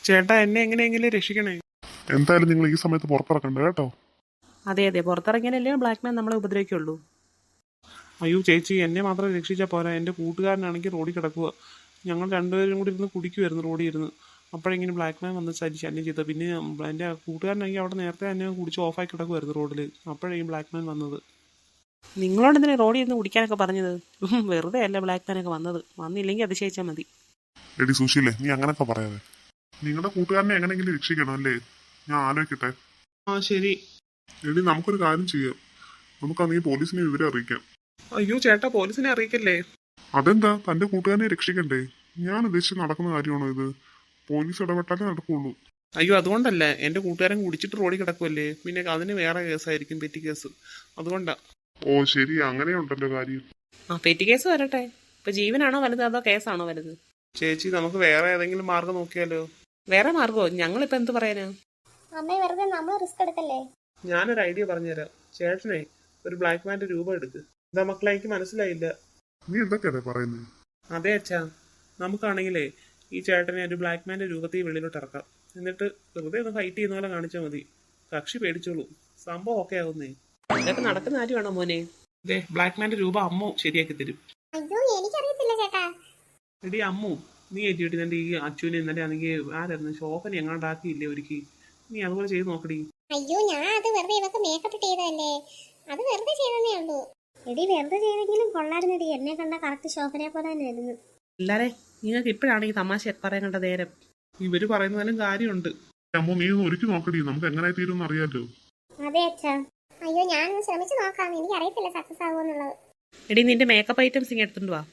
ചേട്ടാ എന്നെ എങ്ങനെയെങ്കിലും രക്ഷിക്കണേ. എന്തായാലും നിങ്ങൾ ഈ സമയത്ത് പുറത്തിറക്കണ്ട കേട്ടോ. അതെ അതെ, പുറത്തിറങ്ങിയാലല്ലേ ബ്ലാക്ക് മാൻ നമ്മളെ ഉപദ്രവിക്കുള്ളൂ. അയ്യോ ചേച്ചി, എന്നെ മാത്രം രക്ഷിച്ചാൽ പോരാ. എൻ്റെ കൂട്ടുകാരനാണെങ്കിൽ റോഡിൽ കിടക്കുക. ഞങ്ങൾ രണ്ടുപേരും കൂടി ഇരുന്ന് കുടിക്കുമായിരുന്നു റോഡിൽ ഇരുന്ന്. അപ്പോഴെങ്ങനെ ബ്ലാക്ക് മാൻ വന്ന് ശല്യം ചെയ്തത്. പിന്നെ എൻ്റെ കൂട്ടുകാരനാണെങ്കിൽ അവിടെ നേരത്തെ തന്നെ കുടിച്ച് ഓഫായി കിടക്കുമായിരുന്നു റോഡിൽ. അപ്പോഴേക്കും ബ്ലാക്ക് മാൻ വന്നത്. നിങ്ങളോട് എന്തിനാ റോഡിൽ ഇരുന്ന് കുടിക്കാനൊക്കെ പറഞ്ഞത്? വെറുതെ അല്ല ബ്ലാക്ക് മാനൊക്കെ വന്നത്. വന്നില്ലെങ്കിൽ അതിശയിച്ചാൽ മതി. എടി സുശീലേ, നീ അങ്ങനൊക്കെ പറയാതെ. നിങ്ങളുടെ കൂട്ടുകാരനെ എങ്ങനെയെങ്കിലും രക്ഷിക്കണം അല്ലേ? ഞാൻ ആലോചിക്കട്ടെ. ആ ശരി. എടി നമുക്കൊരു കാര്യം ചെയ്യാം. നമുക്കാണെങ്കിൽ പോലീസിനെ വിവരം അറിയിക്കാം. അയ്യോ ചേട്ടാ, പോലീസിനെ അറിയിക്കല്ലേ. അതെന്താ, തന്റെ കൂട്ടുകാരനെ രക്ഷിക്കണ്ടേ? ഞാൻ ഉദ്ദേശിച്ച് നടക്കുന്ന കാര്യമാണോ ഇത്? പോലീസ് ഇടപെട്ടാലേ നടക്കുള്ളൂ. അയ്യോ അതുകൊണ്ടല്ല, എൻ്റെ കൂട്ടുകാരൻ കുടിച്ചിട്ട് റോഡിൽ കിടക്കുമല്ലേ, പിന്നെ അതിന് വേറെ കേസായിരിക്കും, പെറ്റി കേസ്. അതുകൊണ്ടാ. ഓ ശരി, അങ്ങനെയുണ്ടല്ലോ കാര്യം. ആ പെറ്റി കേസ് വരട്ടെ. ഇപ്പൊ ജീവനാണോ വലുത് അതോ കേസാണോ വലുത്? ചേച്ചി, നമുക്ക് വേറെ ഏതെങ്കിലും മാർഗം നോക്കിയാലോ? വേറെ മാർഗമോ? ഞങ്ങളിപ്പോ എന്ത് പറയാനാ? അമ്മേ വെറുതെ നമ്മൾ റിസ്ക് എടുക്കല്ലേ. ഞാനൊരു ഐഡിയ പറഞ്ഞുതരാം. ചേട്ടനെ ഒരു ബ്ലാക്ക് മാൻ്റെ രൂപം എടുക്ക്. എന്താ മക്കളെ, എനിക്ക് മനസ്സിലായില്ല. നീ എന്തൊക്കെയാ പറയുന്നത്? അതെ അച്ഛാ, നമുക്കാണെങ്കിലേ ഈ ചേട്ടനെ ഒരു ബ്ലാക്ക് മാൻ്റെ രൂപത്തിൽ വെളിയിലോട്ട് ഇറക്കാം. എന്നിട്ട് വെറുതെ ഒന്ന് ഫൈറ്റ് ചെയ്യുന്ന പോലെ കാണിച്ചാൽ മതി. കക്ഷി പേടിച്ചോളൂ, സംഭവം ഒക്കെ ആവുന്നേ. ഇതൊക്കെ നടക്കുന്ന കാര്യമാണോ മോനെ? ഇതേ ബ്ലാക്ക് മാൻ്റെ രൂപം അമ്മു ശരിയാക്കി തരും. അയ്യോ എനിക്കറിയത്തില്ല ചേട്ടാ. എടി അമ്മു, നീ ഏറ്റിട്ട് നിന്റെ ഈ അച്ഛനെ ഇന്നലെ ആണെങ്കിൽ ആരായിരുന്നു ശോഭന എങ്ങാണ്ടാക്കിയില്ലേ ഒരുക്കി. നീ അതുപോലെ ചെയ്ത് നോക്കടി. അയ്യോ ഞാൻ അത് വെറുതെ ഇവക്ക് മേക്കപ്പ് ചെയ്തതല്ലേ. അത് വെറുതെ ചെയ്തതേ ഉള്ളൂ. എടി വെറുതെ ചെയ്തെങ്കിലും കൊള്ളായിരുന്നെടി. എന്നെ കണ്ട കറക്റ്റ് ശോഭനയെ പോലെ തന്നെ ആയിരുന്നു. എല്ലാരെ നിങ്ങൾക്ക് ഇപ്പോഴാണ് ഈ തമാശ പറയാനുള്ള നേരം. ഇവര് പറയുന്നതിലും കാര്യമുണ്ട്. അമ്മോ, നീ ഒന്ന് ഒരുക്കി നോക്കടി. നമുക്ക് എങ്ങനെ തീരുമെന്ന് അറിയാലോ. അതെ അച്ഛാ. അയ്യോ ഞാനൊന്ന് ശ്രമിച്ചു നോക്കാം. എനിക്ക് അറിയത്തില്ല സക്സസ് ആകുമെന്നുള്ളത്. എടി നിന്റെ മേക്കപ്പ് ഐറ്റംസ് ഇങ്ങനെ എടുത്തുകൊണ്ട് വാ.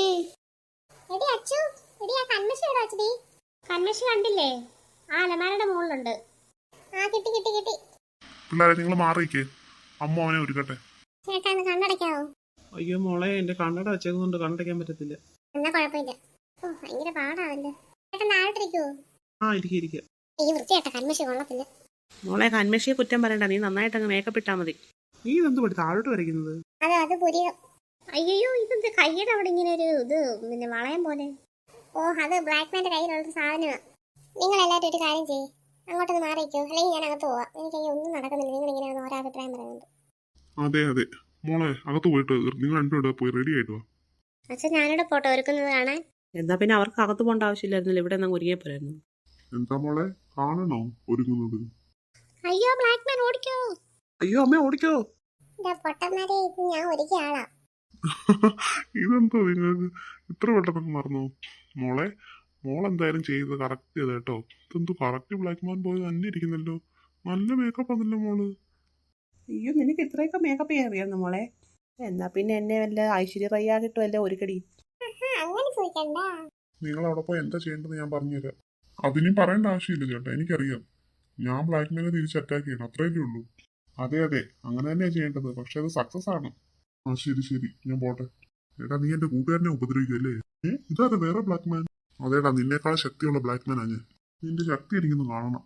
എടി അച്ചു, എടി ആ കൺമഷി എവിടെ വെച്ചടി? കൺമഷി കണ്ടില്ലേ? ആ അലമാരയുടെ മുകളിലുണ്ട്. ആ കിട്ടി കിട്ടി കിട്ടി. പിള്ളേരെ നിങ്ങൾ മാറിയിക്കേ. അമ്മ അവനെ ഒരുക്കട്ടെ. ചേട്ടാ ഒന്ന് കണ്ണടയ്ക്കാവോ? അയ്യോ മോളെ, എന്റെ കണ്ണട വെച്ചതുകൊണ്ട് കണ്ണടയ്ക്കാൻ പറ്റത്തില്ല. എന്നാ കുഴപ്പമില്ല. ഓ ഭയങ്കര പാടാവല്ലേ. ചേട്ടാ താഴോട്ടിരിക്കുവോ? ആ ഇരിക്കുക. ഈ വൃത്തിയായിട്ട കൺമഷി കൊള്ളത്തില്ല. മോളെ കൺമഷിയെ കുറ്റം പറയണ്ട. നീ നന്നായിട്ട് അങ്ങ് മേക്കപ്പ് ഇട്ടാ മതി. നീ ഇതെന്ത് പറ്റി താഴോട്ട് വരയ്ക്കുന്നത്? അത് പുരികം. അയ്യോ ഇതെന്ത് കയ്യുടെ അവിടെ ഇങ്ങനെ ഒരു ഇത് പിന്നെ വളയം പോലെ. ഓ അത് ബ്ലാക്ക് മാൻ്റെ കയ്യിലുള്ള സാധനമാണ്. നിങ്ങൾ എല്ലാവരും ഒരു കാര്യം ചെയ്യ്, അങ്ങോട്ടൊന്ന് മാറിയിരിക്കോ, അല്ലെങ്കിൽ ഞാൻ അകത്ത് പോവാം. എനിക്കങ്ങനെ ഒന്നും നടക്കുന്നില്ല. നിങ്ങൾ ഇങ്ങനെ ഓരോ അഭിപ്രായം പറയുന്നുണ്ട്. അതെ അതെ മോളെ, അകത്ത് പോയിട്ട് നിങ്ങൾ രണ്ടുപേരുടെ പോയി റെഡി ആയിട്ട് വാ. അച്ഛൻ ഞാനിവിടെ ഫോട്ടോ ഒരുക്കുന്നത് കാണാൻ. എന്നാ പിന്നെ അവർക്ക് അകത്ത് പോകേണ്ട ആവശ്യമില്ലായിരുന്നല്ലോ, ഇവിടെ നിന്ന് ഒരുങ്ങിയ പോരായിരുന്നു. എന്താ മോളെ, കാണണോ ഒരുങ്ങുന്നത്? അയ്യോ ബ്ലാക്ക് മാൻ ഓടിക്കോ. അയ്യോ അമ്മ ഓടിക്കോ. പൊട്ടന്മാരെ, ഇത് ഞാൻ ഒരുക്കിയ ആളാ. ഇതെന്തോ നിങ്ങൾക്ക് ഇത്ര പെട്ടെന്ന് മറന്നു? മോളെ, മോളെന്തായാലും ചെയ്തത് കറക്റ്റ് ചെയ്ത കേട്ടോ. ഇതെന്തോ കറക്റ്റ് ബ്ലാക്ക് മാൻ പോയി തന്നെ ഇരിക്കുന്നല്ലോ. നല്ല മേക്കപ്പ് ആണല്ലോ മോള്. അയ്യോ നിനക്ക് ഇത്രയൊക്കെ മേക്കപ്പ് ചെയ്യാൻ അറിയാമെന്ന് മോളെ? എന്നാ പിന്നെ എന്നെ വല്ല ഐശ്വര്യ റയ്യ കിട്ടുമല്ല ഒരുക്കടി. അങ്ങനെ ചോദിക്കണ്ട. നിങ്ങൾ അവിടെ പോയി എന്താ ചെയ്യേണ്ടത് ഞാൻ പറഞ്ഞുതരാം. അതിനും പറയേണ്ട ആവശ്യമില്ല ചേട്ടാ, എനിക്കറിയാം. ഞാൻ ബ്ലാക്ക് മാനെ തിരിച്ച് അറ്റാക്ക് ചെയ്യണം, അത്രയല്ലേ ഉള്ളൂ. അതെ അതെ, അങ്ങനെ തന്നെയാണ് ചെയ്യേണ്ടത്. പക്ഷെ അത് സക്സസ് ആണ്. ആ ശരി ശരി, ഞാൻ പോട്ടെ. ഏട്ടാ നീ എന്റെ കൂട്ടുകാരനെ ഉപദ്രവിക്കല്ലേ? ഇതാ വേറെ ബ്ലാക്ക് മാൻ. അതേടാ, നിന്നേക്കാൾ ശക്തിയുള്ള ബ്ലാക്ക് മാനാ ഞാൻ. നിന്റെ ശക്തി എനിക്കൊന്ന് കാണണം.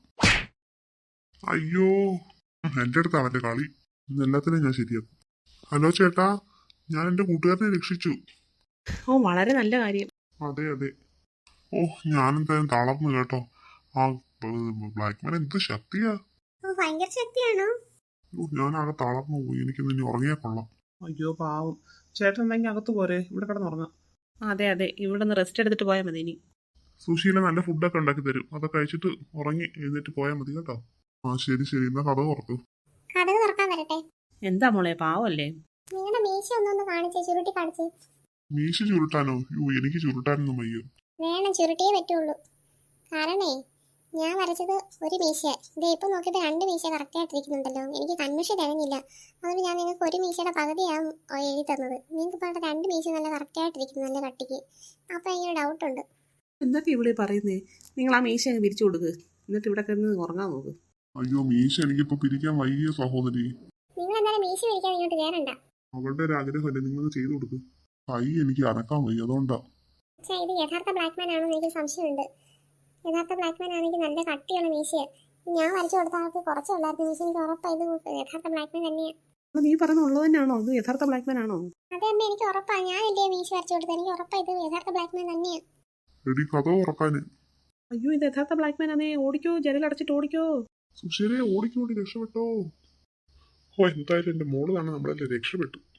അയ്യോ, എന്റെ അടുത്ത് അവന്റെ കളി. ഇന്ന് എല്ലാത്തിനും ഞാൻ ശരിയാക്കും. ഹലോ ചേട്ടാ, ഞാൻ എന്റെ കൂട്ടുകാരനെ രക്ഷിച്ചു. ഓ വളരെ നല്ല കാര്യം. അതെ അതെ. ഓ ഞാനെന്തായാലും തളർന്നു കേട്ടോ. ആ ബ്ലാക്ക് മാൻ എന്ത് ശക്തിയാ. ഭയങ്കര ശക്തിയാണോ? ഞാനാകെ തളർന്നു പോയി. എനിക്ക് ഇനി ഉറങ്ങിയാ കൊള്ളാം. അയ്യോ പാവം. ചേട്ടൻ എന്തെങ്കിലും അകത്ത് പോരെ, ഇവിടെ കിടന്നുറങ്ങാം. അതെ അതെ, ഇവിടെ നിന്ന് റെസ്റ്റ് എടുത്തിട്ട് പോയാൽ മതി ഇനി. സുശീല നല്ല ഫുഡൊക്കെ ഉണ്ടാക്കി തരും. അതൊക്കെ കഴിച്ചിട്ട് ഉറങ്ങി എഴുന്നേറ്റ് പോയാൽ മതി കേട്ടോ. ആ ശരി ശരി, എന്നാ കഥ തുറക്കൂ. കടക് തുറക്കാൻ വരട്ടെ. എന്താ മോളെ പാവല്ലേ? നിങ്ങളുടെ മീശ ഒന്നൊന്ന് കാണിച്ചേ, ചുരുട്ടി കാണിച്ചേ. മീശ ചുരുട്ടാനോ? എനിക്ക് ചുരുട്ടാനൊന്നും വയ്യ. വേണം, ചുരുട്ടിയേ പറ്റുള്ളൂ. കാരണേ ഞാൻ വരച്ചത് ഒരു മീശ. ഇത് ഇപ്പൊ നോക്കിയപ്പോ 2 മീശ കറക്റ്റ് ആയിട്ടിരിക്കുന്നുണ്ടല്ലോ. എനിക്ക് കൺമഷ തികഞ്ഞില്ല. അതുകൊണ്ട് ഞാൻ നിങ്ങൾക്ക് ഒരു മീശയുടെ പകുതിയാണ് എഴുതി തന്നത്. നിങ്ങൾക്ക് ഇപ്പോൾ 2 മീശ നല്ല കറക്റ്റ് ആയിട്ടിരിക്കുന്നു, നല്ല കട്ടിക്ക്. അപ്പൊ ഇങ്ങനെ ഡൗട്ടുണ്ട്. എന്തൊക്കെ ഇവിടെ പറയുന്നേ? നിങ്ങൾ ആ മീശ അങ്ങ് പിരിച്ചു കൊടുക്ക്, എന്നിട്ട് ഇവിടെ കിടന്ന് ഉറങ്ങാൻ നോക്ക്. അയ്യോ മീശ എനിക്കിപ്പോ പിരിക്കാൻ വയ്യ സഹോദരി. നിങ്ങൾ എന്തായാലും മീശ പിരിക്കാൻ ഇങ്ങോട്ട് കയറണ്ട. അവളുടെ ഒരു ആഗ്രഹമല്ലേ, നിങ്ങൾ ചെയ്തു കൊടുക്ക്. കൈ എനിക്ക് അനക്കാൻ വയ്യ, അതുകൊണ്ടാ. പക്ഷേ ഇത് യഥാർത്ഥ ബ്ലാക്ക് മാൻ ആണോ എനിക്ക് സംശയമുണ്ട്. യഥാർത്ഥ ബ്ലാക്ക് മാൻ ആണെങ്കിൽ നല്ല കട്ടിയുള്ള മീശയാണ്. ഞാൻ വരച്ചു കൊടുത്ത ആൾക്ക് കുറച്ചേ ഉള്ളായിരുന്നു മീശ. എനിക്ക് ഉറപ്പാണ് ഇത് യഥാർത്ഥ ബ്ലാക്ക് മാൻ തന്നെയാണ്. നീ പറഞ്ഞ ഉള്ളത് തന്നെയാണോ? ഇത് യഥാർത്ഥ ബ്ലാക്ക് മാൻ ആണോ? അതെ അമ്മ, എനിക്ക് ഉറപ്പാണ്. ഞാൻ എന്റെ മീശ വരച്ചു കൊടുത്തത്. എനിക്ക് ഉറപ്പാണ് ഇത് യഥാർത്ഥ ബ്ലാക്ക് മാൻ തന്നെയാണ്. എടി കഥ ഉറക്കാന്. അയ്യോ ഇത് യഥാർത്ഥ ബ്ലാക്ക് മാൻ ആണേ, ഓടിക്കോ, ജനലടച്ചിട്ട് ഓടിക്കോ. സുശീലയെ ഓടിക്കോടി രക്ഷപ്പെട്ടോ. ഓ എന്തായാലും എന്റെ മോള് തന്നെ നമ്മളെല്ലാം രക്ഷപ്പെട്ടു.